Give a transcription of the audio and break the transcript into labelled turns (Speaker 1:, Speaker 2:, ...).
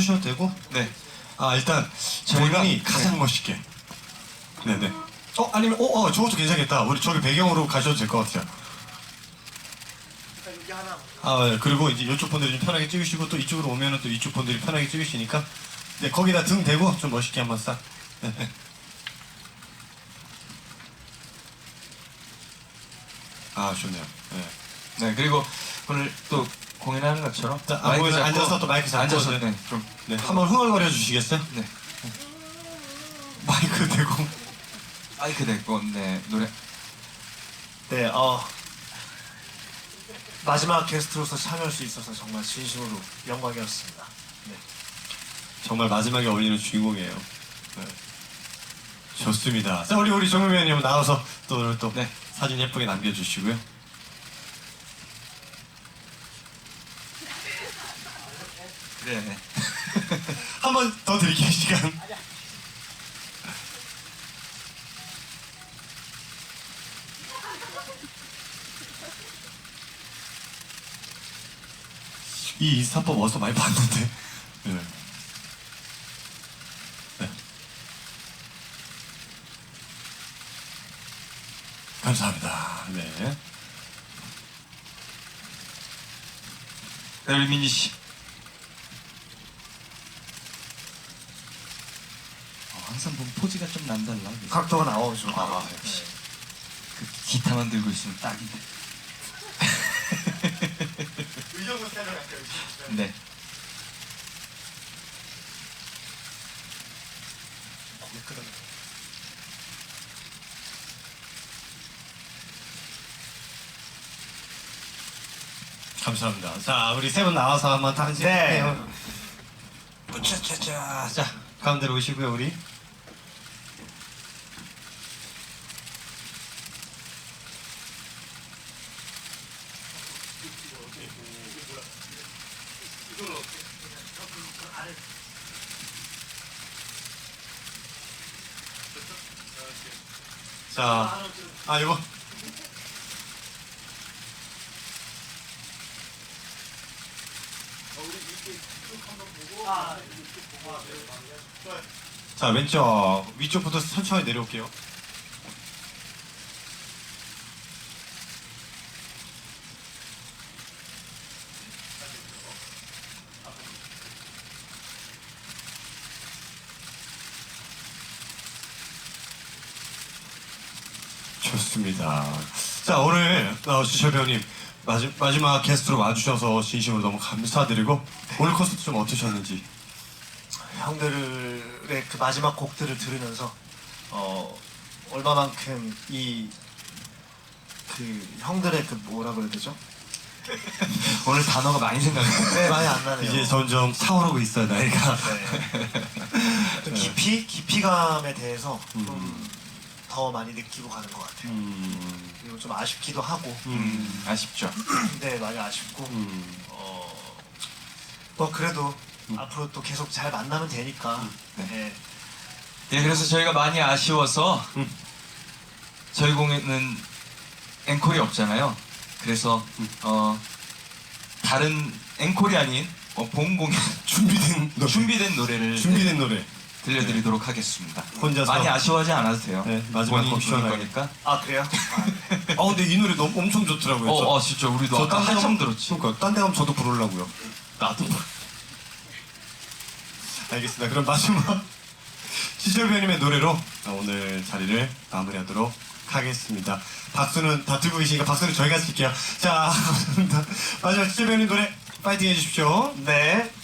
Speaker 1: 해주셔도 되고.
Speaker 2: 네.
Speaker 1: 아 일단
Speaker 2: 저희가
Speaker 1: 본인이 가장 멋있게. 네네. 아니면 저것도 괜찮겠다. 우리 저기 배경으로 가셔도 될 것 같아요. 네. 그리고 이제 이쪽 분들이 좀 편하게 찍으시고 또 이쪽으로 오면은 또 이쪽 분들이 편하게 찍으시니까 네 거기다 등 대고 좀 멋있게 한번 싹. 네. 아 좋네요. 네.
Speaker 2: 네, 그리고 오늘 또 공연하는 것처럼
Speaker 1: 자,
Speaker 2: 마이크 잡고
Speaker 1: 앉아서 또 마이크 잡고
Speaker 2: 앉아서
Speaker 1: 네.
Speaker 2: 좀
Speaker 1: 네, 한번 흥얼거려 주시겠어요?
Speaker 2: 네.
Speaker 1: 마이크 대고.
Speaker 2: 마이크 대고 네 노래.
Speaker 3: 네, 마지막 게스트로서 참여할 수 있어서 정말 진심으로 영광이었습니다. 네.
Speaker 1: 정말 마지막에 어울리는 주인공이에요. 네. 좋습니다. 자, 우리 정민 위원님 나와서 또 오늘 또
Speaker 2: 네.
Speaker 1: 사진 예쁘게 남겨주시고요.
Speaker 2: 네.
Speaker 1: 한 번 더 드릴게요, 시간. 이 인스타법 어디서 많이 봤는데. 네. 네. 감사합니다. 네.
Speaker 2: 네, 우리 민지 씨. 항상 보면 포즈가 좀 남달라.
Speaker 3: 각도가 나오죠.
Speaker 2: 역시. 그 기타만 들고 있으면 딱인데.
Speaker 1: 의정부 스타일로 갈게요.
Speaker 2: 네.
Speaker 1: 감사합니다. 자, 우리 세 분 나와서 한번 다시
Speaker 3: 네.
Speaker 1: 해요. 뿌차차차. 자, 가운데로 오시고요, 우리. 자, 이거. 자, 왼쪽 위쪽부터 천천히 내려올게요. 좋습니다. 자, 오늘 주철 배우님 마지막 게스트로 와주셔서 진심으로 너무 감사드리고 오늘 콘서트 좀 어떠셨는지.
Speaker 3: 형들의 그 마지막 곡들을 들으면서 얼마만큼 그 형들의 그 뭐라 그래야 되죠?
Speaker 2: 오늘 단어가 많이 생각나요.
Speaker 3: 네, 많이 안 나네요.
Speaker 1: 이제 점점 차오르고 있어요, 나이가.
Speaker 3: 네. 좀 깊이감에 대해서 좀 더 많이 느끼고 가는 것 같아요. 그리고 좀 아쉽기도 하고.
Speaker 2: 아쉽죠.
Speaker 3: 네, 많이 아쉽고. 뭐 그래도 앞으로 또 계속 잘 만나면 되니까. 네.
Speaker 2: 예, 그래서 저희가 많이 아쉬워서 저희 공연은 앵콜이 없잖아요. 그래서 다른 앵콜이 아닌 본 공연 준비된 노래를
Speaker 1: 준비된 노래.
Speaker 2: 들려드리도록 하겠습니다.
Speaker 1: 혼자서
Speaker 2: 많이 아쉬워하지 않아도 돼요.
Speaker 1: 네, 마지막 곡
Speaker 2: 본인이 부를
Speaker 1: 시원하게.
Speaker 2: 거니까.
Speaker 3: 아, 그래요?
Speaker 1: 근데 이 노래 너무 엄청 좋더라고요.
Speaker 2: 진짜 우리도 아까 한참 들었지.
Speaker 1: 그러니까 딴 데 가면 저도 부르려고요. 나도. 알겠습니다. 그럼 마지막 지철 배우님의 노래로 오늘 자리를 마무리하도록 하겠습니다. 박수는 다 들고 계시니까 박수는 저희가 칠게요. 자, 감사합니다. 마지막 지철 배우님 노래 파이팅 해주십시오.
Speaker 3: 네.